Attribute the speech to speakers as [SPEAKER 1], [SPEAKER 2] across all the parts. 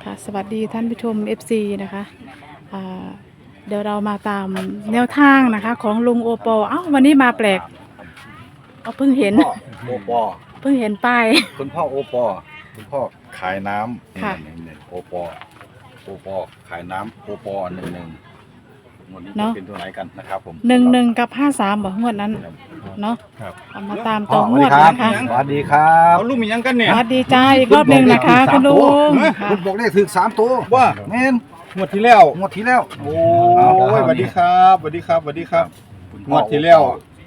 [SPEAKER 1] ค่ะสวัสดีท่านผู้ชม FC นะคะอ่าเดี๋ยวเรามาตามแนวทางนะคะของลุงโอปอเอ้าวันนี้มาแปลกเพิ่งเห็น
[SPEAKER 2] พ่อโอปอ
[SPEAKER 1] เพิ่งเห็นป้าย
[SPEAKER 2] คุณพ่อโอปอคุณพ่อขายน้ำ
[SPEAKER 1] ค่ะ
[SPEAKER 2] นี่โอปอโอปอขายน้ำโอปอ11วันนี้จะ
[SPEAKER 1] เนาะ
[SPEAKER 2] เป็นตัวไหนกันนะครับผม
[SPEAKER 1] 11กับ53บอกงวดนั้นเนาะ
[SPEAKER 2] ครับ
[SPEAKER 1] เอามาตาม
[SPEAKER 2] พ่
[SPEAKER 1] ต่
[SPEAKER 2] อ
[SPEAKER 1] อ
[SPEAKER 2] ส
[SPEAKER 1] ง
[SPEAKER 2] วัส
[SPEAKER 1] ว
[SPEAKER 2] ดี
[SPEAKER 1] ด
[SPEAKER 2] ครับ
[SPEAKER 1] นะคะ
[SPEAKER 2] สวัสดีครับ
[SPEAKER 3] เอาลูกมียังกันเนี่ย
[SPEAKER 1] สวัสดีจ้าอีกรอบหนึ่งนะคะคุณลุงค่ะ
[SPEAKER 2] คุณบอกเลขถึง3ตัว
[SPEAKER 3] ว่า
[SPEAKER 2] แม่น
[SPEAKER 3] งวดที่แล้ว
[SPEAKER 2] งวดที่แล้ว
[SPEAKER 3] โอ้ยสวัสดีครับสวัสดีครับสวัสดีครับ
[SPEAKER 2] คุณ
[SPEAKER 3] ง
[SPEAKER 2] พ่อ
[SPEAKER 3] วดที่แล้ว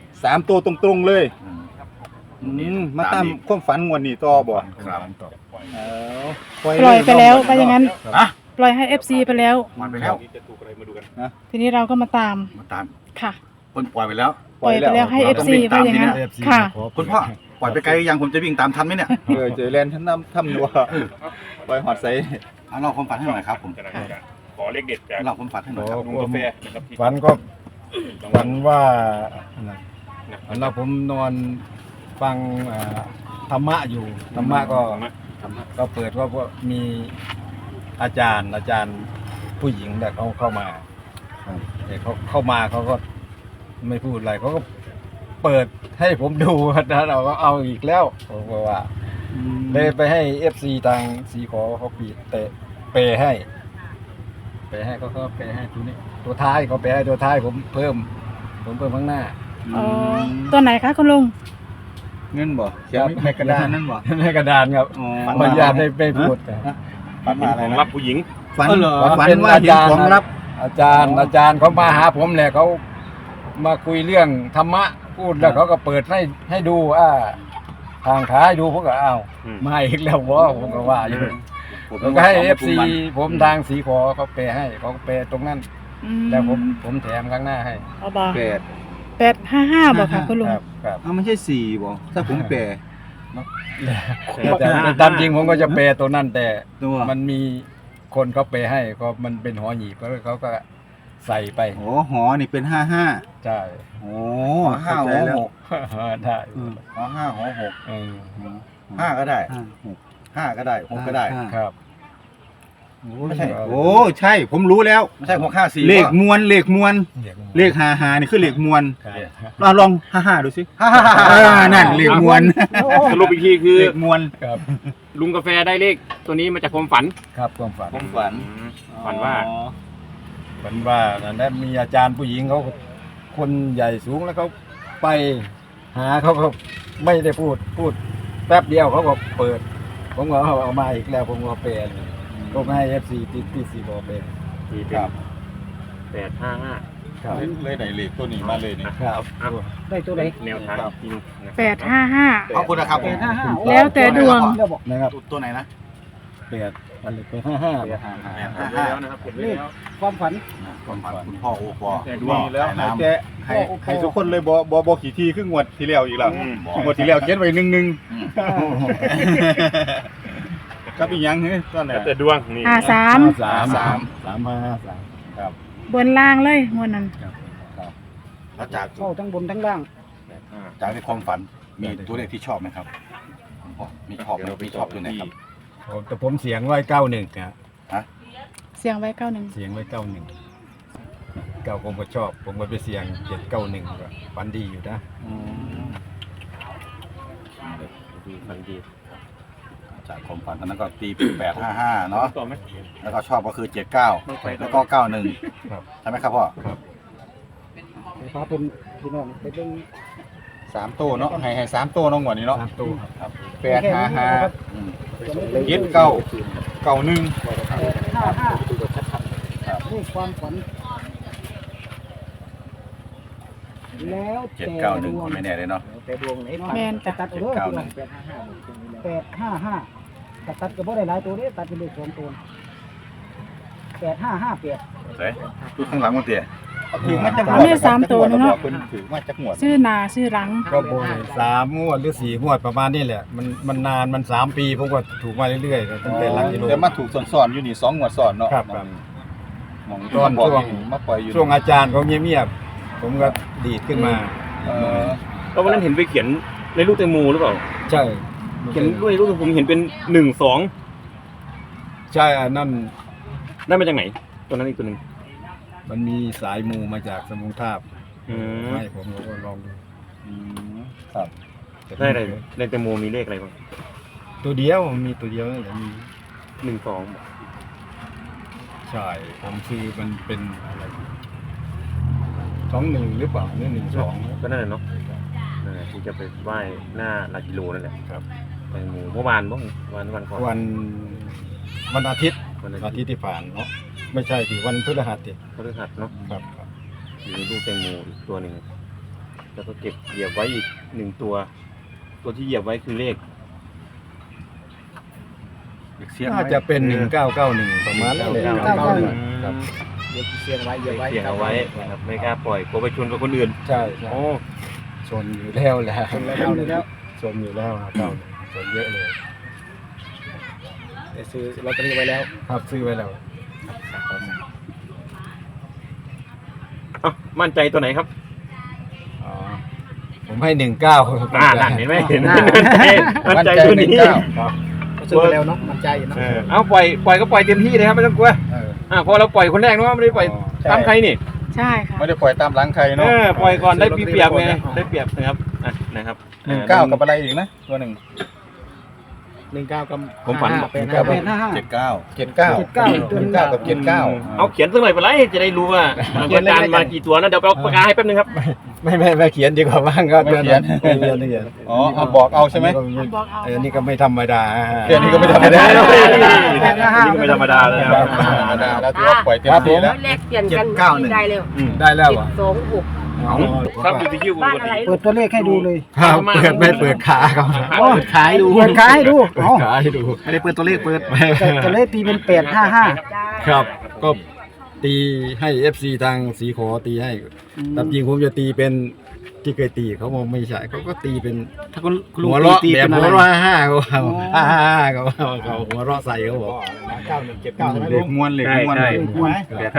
[SPEAKER 3] 3ตัวตรงๆเลย
[SPEAKER 2] อืม
[SPEAKER 3] มาตามความฝันงวดนี้ต่อบ่
[SPEAKER 2] ครับ
[SPEAKER 3] เออ
[SPEAKER 1] ปล่อยไปแล้วไปอย่างนั้น
[SPEAKER 2] อ่ะ
[SPEAKER 1] ปล่อยให้ FC ไปแล้ว
[SPEAKER 2] มันไปแล้ว
[SPEAKER 1] ทีนี้เราก็มาตาม
[SPEAKER 2] มาตาม
[SPEAKER 1] ค่ะ
[SPEAKER 2] คนปล่อยไปแล้ว
[SPEAKER 1] ปล่อยไปแล้วให้
[SPEAKER 2] ต้อง
[SPEAKER 1] FC
[SPEAKER 2] วิ่ง
[SPEAKER 1] ไป
[SPEAKER 2] ตาม
[SPEAKER 1] อย่างนั้น
[SPEAKER 2] ทีเนี้ย
[SPEAKER 1] ค่ะ
[SPEAKER 2] คุณพ่อปล่อยไปไกลยังผมจะวิ่งตามทันไหมเนี่ย
[SPEAKER 3] เจอแลนท่านทำนัวไปหอดใส่
[SPEAKER 2] เอาเราความฝันให้หน่อยครับผม
[SPEAKER 4] ขอเลขเด็ดจาก
[SPEAKER 2] เราความฝันให้หน่อยครับ
[SPEAKER 4] ลุงกาแฟนะครับที่
[SPEAKER 5] ฝันก็ฝันว่าฝันว่าผมนอนฟังธรรมะอยู่ธรรมะก็เปิดว่ามีอาจารย์ผู้หญิงแต่เขาเข้ามาแต่เขาเข้ามาเขาก็ไม่พูดอะไรเขาก็เปิดให้ผมดูนะเราก็เอาอีกแล้วผมก็ว่าเลยไปให้ FC ทางสีขอเขาปีเตะเปให้เขาก็เปให้ตัวนี้ตัวท้ายเขาเปให้ตัวท้ายผมเพิ่มข้างหน้า
[SPEAKER 1] อ๋อตัวไหนคะคุณลุง
[SPEAKER 3] เงินบ่เขียนในกระดานนั่นบ่
[SPEAKER 5] ในกระดานครับ
[SPEAKER 3] อ๋อ
[SPEAKER 5] ขออนุญาตไม่พูด
[SPEAKER 3] ฝัน
[SPEAKER 4] เป็น
[SPEAKER 3] อะไร
[SPEAKER 4] ของ
[SPEAKER 3] นะ
[SPEAKER 4] รับผู้หญิง
[SPEAKER 3] ฝัน
[SPEAKER 5] เหรอ
[SPEAKER 3] ฝัน
[SPEAKER 5] เป็น
[SPEAKER 3] ว่า
[SPEAKER 5] อา
[SPEAKER 3] เห็น
[SPEAKER 5] จารย์
[SPEAKER 3] ของลับ
[SPEAKER 5] อาจารย์เขามาหาผมแหละเขามาคุยเรื่องธรรมะพูดแล้วเขาก็เปิดให้ดูทางขาให้ดูผมก็อ้าว
[SPEAKER 4] อืม
[SPEAKER 5] มาอีกแล้ววะผมก็ว่าอยู่
[SPEAKER 2] ผม
[SPEAKER 5] แล้วก็ให้ FC ผมทางสีขอเขาเปให้เขาเปตรงนั้น
[SPEAKER 1] อืม
[SPEAKER 5] แล้วผมแถมข้างหน้าให้
[SPEAKER 1] เอาบอ
[SPEAKER 3] แปด
[SPEAKER 1] 855บอกค่ะคุณลุง
[SPEAKER 5] ครับ
[SPEAKER 3] อ้าวไม่ใช่4บ่ถ้าผมแปล
[SPEAKER 5] แต่ตามจริงผมก็จะเปตัวนั้นแต่
[SPEAKER 3] ตัว
[SPEAKER 5] มันมีคนเขาเปให้ก็มันเป็นหอหีบเขาก็ใส่ไป
[SPEAKER 3] โอ้หอนี่เป็น55
[SPEAKER 5] ใช่
[SPEAKER 3] โอ้
[SPEAKER 2] ห้า
[SPEAKER 3] เข้า
[SPEAKER 2] หั
[SPEAKER 3] ใจ
[SPEAKER 2] ว
[SPEAKER 3] แล้ว
[SPEAKER 2] หก
[SPEAKER 5] ได้
[SPEAKER 3] อืม
[SPEAKER 2] อ๋อห้าหัวหก
[SPEAKER 5] เออ
[SPEAKER 2] ห้าก็ได้
[SPEAKER 3] ห้า
[SPEAKER 2] 5ก็ได้6ก็ได้
[SPEAKER 5] ครับ
[SPEAKER 2] ไม่ใช่
[SPEAKER 3] โอ้ใช่ผมรู้แล้ว
[SPEAKER 2] ไม่ใช่6 5 4
[SPEAKER 3] เลขมวลเลข55นี่คือเลขมวล
[SPEAKER 5] ครับ
[SPEAKER 3] ลอง55ดูสิ
[SPEAKER 2] ฮ่าฮ่าฮ่า
[SPEAKER 3] นั่นเลขมวล
[SPEAKER 4] สรุปอีกทีคือ
[SPEAKER 3] เลขมวล
[SPEAKER 5] ครับ
[SPEAKER 4] ลุงกาแฟได้เลขตัวนี้มาจากความฝัน
[SPEAKER 5] ครับความฝัน
[SPEAKER 3] ผมฝัน
[SPEAKER 4] ฝันว่า
[SPEAKER 5] ฝันว่านั้นมีอาจารย์ผู้หญิงเขาคนใหญ่สูงแล้วเขาไปหาเขาก็ไม่ได้พูดแป๊บเดียวเขาก็เปิด ผมก็เอามาอีกแล้วผมก็เปลี่ยนก็ให้ FC ที่ซีบอเป็น
[SPEAKER 4] ที่เป็
[SPEAKER 5] คน รับ
[SPEAKER 4] 855
[SPEAKER 5] ครับ
[SPEAKER 3] เลยไหนเลขตัวนี้มาเลยนี่
[SPEAKER 5] ครับ
[SPEAKER 6] ได้ตัวไหน
[SPEAKER 4] แนวทางจริงนะ
[SPEAKER 1] 855
[SPEAKER 2] ขอบคุณนะครับผม
[SPEAKER 6] 855
[SPEAKER 1] แล้วแต่ดวง
[SPEAKER 5] นะครับ
[SPEAKER 2] ตัวไหนนะ
[SPEAKER 5] เปลี่ยนอะไรไป55
[SPEAKER 4] กดไว้แล้วนะครับกดไว้แล้ว
[SPEAKER 6] ความฝัน
[SPEAKER 2] ความฝันคุณพ่อโอปอ
[SPEAKER 4] แต่ด
[SPEAKER 3] ด
[SPEAKER 4] ว
[SPEAKER 3] ว
[SPEAKER 4] ง
[SPEAKER 3] งแล้วให้ทุกคนเลยบ่ขี่ทีครึ่งงวดที่แล้วอีกแล้ว
[SPEAKER 4] อืม
[SPEAKER 3] งวดที่แล้วเขียนไว้1กับอีกอย่างนึงตอนไหน
[SPEAKER 4] แล้วแต่ดวงนี่
[SPEAKER 1] 53
[SPEAKER 5] ครับ
[SPEAKER 1] บนล่างเลยงวดนั้น
[SPEAKER 2] แล้วจาก
[SPEAKER 6] เข้าทั้งบนทั้งล่าง
[SPEAKER 2] จากในความฝันมีตัวเลขที่ชอบไหมครับคุณพ่อมีชอบไหมมีชอบตัวไหนครับ
[SPEAKER 5] แต่ผมเสียงไว้91นะ
[SPEAKER 1] เสียงไว้91
[SPEAKER 5] เสียงไว้91 9ผมก็ชอบ ผมก็ไปเสียง791ก็ฝันดีอยู่นะ
[SPEAKER 4] ฝันดี
[SPEAKER 2] จากความฝันตอนนั้นก็ตีเป็น855เนาะ
[SPEAKER 4] ต่อไหม
[SPEAKER 2] แล้วก็ชอบก็คือ79แล้วก็91
[SPEAKER 5] ครับ
[SPEAKER 2] ใช่ไหมครับพ่อ
[SPEAKER 6] ไฟฟ้าเป็นพี่น้องไปเบิ่ง
[SPEAKER 3] 3ตัวเนาะให้3ตัวน้องงวดนี้เนาะ
[SPEAKER 5] ตามตู้ครับ
[SPEAKER 3] 855
[SPEAKER 2] อืม
[SPEAKER 3] 7991
[SPEAKER 6] นี่ความฝัน แล้วแต่ดว
[SPEAKER 2] 791
[SPEAKER 6] ง
[SPEAKER 2] ก็ไม่แน่เลยเนาะ
[SPEAKER 6] แต่ดวงไหนเนาะ
[SPEAKER 1] แม่นจ้ะ
[SPEAKER 6] ตัดเอาเด้อพี่น้อง855ตัดก็บ่ได้หลายตัวเด้ตัดเป็นเลข2ตัว8558
[SPEAKER 2] เฮ้ยดูข้างหลังมันเตี๋ย
[SPEAKER 3] ถือมาจาก
[SPEAKER 1] เอาเนี่ย3ตัวนึงเนาะ
[SPEAKER 3] ถือมาจากหัว
[SPEAKER 1] ชื่อนาชื่อหลัง
[SPEAKER 5] ก็โบย3 งวดหรือ 4 งวดประมาณนี้แหละ มันนานมัน 3 ปีผมก็ถูกมาเรื่อยๆตั้งแต่หลักกิโล
[SPEAKER 3] แต่มาถูกสอนๆอยู่นี่2งวดสอนเนาะ
[SPEAKER 5] ครับ
[SPEAKER 3] หมอง
[SPEAKER 5] ตอน
[SPEAKER 3] บอก
[SPEAKER 5] ช่วง
[SPEAKER 3] มาปล่อยอยู่
[SPEAKER 5] ช่วงอาจารย์เขาเงียบๆผมก็ดีดขึ้นมา
[SPEAKER 3] เออ
[SPEAKER 4] แล้ววันนั้นเห็นไปเขียนในลูกแตงโมหรือเปล่า
[SPEAKER 5] ใช่
[SPEAKER 4] เขียนด้วยลูกผมเห็นเป็น12
[SPEAKER 5] ใช่อันนั้น
[SPEAKER 4] ได้มาจากไหนตัวนั้นอีกตัวหนึ่ง
[SPEAKER 5] มันมีสายมูมาจากสมุงทาบ
[SPEAKER 4] อืม
[SPEAKER 5] ให้ผมก็ลองดู
[SPEAKER 3] ครับ
[SPEAKER 4] ได้อะไรในแตงโมมีเลขอะไรบ้าง
[SPEAKER 5] ตัวเดียวมีตัวเดียวนั่นแหละมี
[SPEAKER 4] 1 2
[SPEAKER 5] ใช่ผมซื้อมันเป็นอะไร21หรือเปล่านี่12
[SPEAKER 4] ก็นั่นแหละเนาะนั่นแหละที่จะไปไหว้หน้าหลักกิโลนั่นแหละ
[SPEAKER 5] ครับ
[SPEAKER 4] แตงโมเมื่อวานบ้างวันก่อน
[SPEAKER 5] วันอาทิตย์
[SPEAKER 4] วันอา
[SPEAKER 5] อา
[SPEAKER 4] ทิ
[SPEAKER 5] ทิ
[SPEAKER 4] ต
[SPEAKER 5] ต
[SPEAKER 4] ย์
[SPEAKER 5] ย์ที่ผ่านเนาะไม่ใช่สิวันพฤหัสดิ
[SPEAKER 4] พฤหัสเนาะ
[SPEAKER 5] ครับ
[SPEAKER 4] อยู่ในลูกแตงโมอีกตัวหนึ่งแล้วก็เก็บเหยียบไว้อีก1ตัว ตัวที่เหยียบไว้คือเลข
[SPEAKER 5] น่าจะเป็น1991ประมาณนั้นเลย
[SPEAKER 6] 1991
[SPEAKER 5] ครับ
[SPEAKER 6] เดี๋ยวเสียงไว้เดี๋ยวไว้
[SPEAKER 4] เสียงเอาไว้นะครับไม่กล้าปล่อยกลัวไปชนกับคนอื่น
[SPEAKER 5] ใช่ใช่
[SPEAKER 4] โอ้
[SPEAKER 5] ชนอยู่แล้วแหละ
[SPEAKER 6] ชนแล้ว
[SPEAKER 5] ชนอยู่แล้วครับชนเยอะเลย
[SPEAKER 6] ได้ซื้อลอตเตอรี่ไว้แล้ว
[SPEAKER 5] ครับซื้อไว้แล้ว
[SPEAKER 4] เอ้ามั่นใจตัวไหนครับ
[SPEAKER 5] อ๋อผมให้19
[SPEAKER 4] นั่นเห็นไหมเห็นไหมมั่นใจตัวนี้
[SPEAKER 5] ครับ
[SPEAKER 6] ก็ซื้อไว้แล้วเนาะมั่นใจอยู่เนาะ
[SPEAKER 4] เอาปล่อยก็ปล่อยเต็มที่เลยครับไม่ต้องกลัว
[SPEAKER 5] เออ
[SPEAKER 4] พอเราปล่อยคนแรกเนาะไม่ได้ปล่อย
[SPEAKER 5] ใช่
[SPEAKER 4] ตามใครนี่
[SPEAKER 1] ใช่ค่ะ
[SPEAKER 3] ไม่ได้ปล่อยตามหลังใครเนาะ
[SPEAKER 4] ปล่อยก่อนได้เปรียบไงได้เปรียบนะครับนะครับ
[SPEAKER 3] 19กับอะไรอีกนะตัวหนึ่ง
[SPEAKER 6] 19กับ
[SPEAKER 4] ผมฝัน
[SPEAKER 3] 79 79
[SPEAKER 6] 79
[SPEAKER 3] กับ79
[SPEAKER 4] เอาเขียนสักหน่อยไปเลยจะได้รู้ว่าอาจารย์มากี่ตัวนะเดี๋ยวไปเอาปากกาให้แป๊บนึงครับ
[SPEAKER 5] ไม่เขียนดีกว่าบ้างก็
[SPEAKER 3] ไม่เขียน
[SPEAKER 5] ไม่เขียน
[SPEAKER 3] อ๋อเอาบอกเอาใช่ไหม
[SPEAKER 1] บอกเอา
[SPEAKER 5] อันนี้ก็ไม่ธรรมดา
[SPEAKER 3] เขียนนี่ก็ไม่ธรรมดา
[SPEAKER 4] นี่ก็ไม่ธรรมดาเลยครับ
[SPEAKER 3] ธรรมดาแล้วถือว่าปล่อยเต็มที่แล้ว
[SPEAKER 7] แลกเปลี่ยนกันได้เร็ว
[SPEAKER 5] ได้แล้วอ่ะ
[SPEAKER 7] 726
[SPEAKER 4] ครับอยู่ที่คิว
[SPEAKER 7] บ้านอะไร
[SPEAKER 6] เปิดตัวเลขให้ดูเลย
[SPEAKER 5] ครับเปิดไม่เปิดขาเขา
[SPEAKER 6] โอ้ขายดูเปิดขายให้ดู
[SPEAKER 5] เปิด
[SPEAKER 6] เอ้า
[SPEAKER 5] ขาให้ดู
[SPEAKER 6] ไม่ได้เปิดตัวเลขเปิดตัวเลขตีเป็น855
[SPEAKER 5] ครับ ก็ตีให้ FC ทางสีขอตีให้ตามจริงผมจะตีเป็นที่เคยตีเขาบอกไม่ใช่เขาก็ตีเป็น
[SPEAKER 6] ถ้าคุณลุง
[SPEAKER 5] หัวเราะ
[SPEAKER 6] ตี
[SPEAKER 5] แบบ
[SPEAKER 6] เป็น
[SPEAKER 5] หั
[SPEAKER 6] อะ
[SPEAKER 5] ว
[SPEAKER 6] ไร
[SPEAKER 5] เราะ55เขา55เขาหัวเราะใส่เขาบอก
[SPEAKER 6] 9179ใช่ไหม
[SPEAKER 3] เหล็
[SPEAKER 6] ลุ
[SPEAKER 3] ก
[SPEAKER 6] ง
[SPEAKER 3] ม้วนเหล็กม้วน
[SPEAKER 4] ใช่
[SPEAKER 6] มวน
[SPEAKER 4] ใช่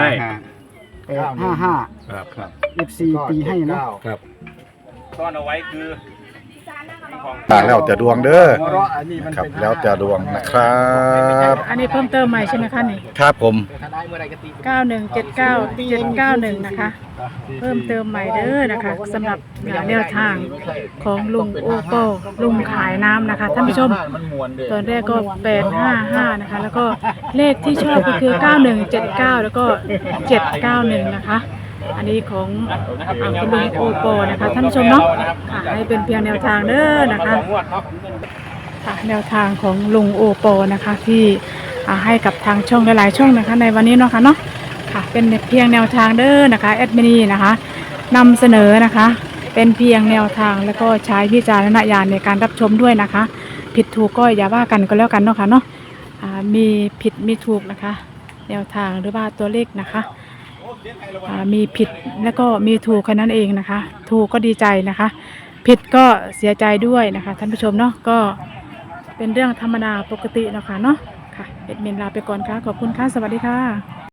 [SPEAKER 6] 855
[SPEAKER 5] ครับครับ
[SPEAKER 6] FC ตีให้เนาะ
[SPEAKER 5] ครับ
[SPEAKER 4] ซ่อนเอาไว้คือ
[SPEAKER 3] แล้วแต่ดวงเด้อ
[SPEAKER 6] หัวเราะอันนี้มัน
[SPEAKER 3] ครับ
[SPEAKER 6] เป็น
[SPEAKER 3] แล้วแต่ดวงนะครับ
[SPEAKER 1] อันนี้เพิ่มเติมใหม่ใช่ไหมคะนี่
[SPEAKER 3] ครับผม
[SPEAKER 6] ถ้าได้เมื่อไหร่ก็ตี
[SPEAKER 1] 9179791นะคะ เพิ่มเติมใหม่เด้อนะคะสำหรับแนวทางของลุงโอโปลุงขายน้ำนะคะท่านผู้ชม ตอนแรกก็855นะคะแล้วก็เลขที่ชอบก็คือ9179แล้วก็791นะคะอันนี้ของคุณลุงโอโปนะคะท่านผู้ชมเนาะค่ะให้เป็นเพียงแนวทางเด้อนะคะค่ะแนวทางของลุงโอโปนะคะที่ให้กับทางช่องหลายๆช่องนะคะในวันนี้เนาะค่ะเนาะค่ะเป็นเพียงแนวทางเด้อนะคะแอดมินีนะคะนำเสนอนะคะเป็นเพียงแนวทางแล้วก็ใช้วิจารณญาณในการรับชมด้วยนะคะผิดถูกก็อย่าว่ากันก็แล้วกันเนาะค่ะเนาะมีผิดมีถูกนะคะแนวทางหรือว่าตัวเลขนะคะมีผิดแล้วก็มีถูกแค่นั้นเองนะคะถูกก็ดีใจนะคะผิดก็เสียใจด้วยนะคะท่านผู้ชมเนาะก็เป็นเรื่องธรรมดาปกติเนาะค่ะเนาะค่ะเอ็ดมินลาไปก่อนค่ะขอบคุณค่ะสวัสดีค่ะ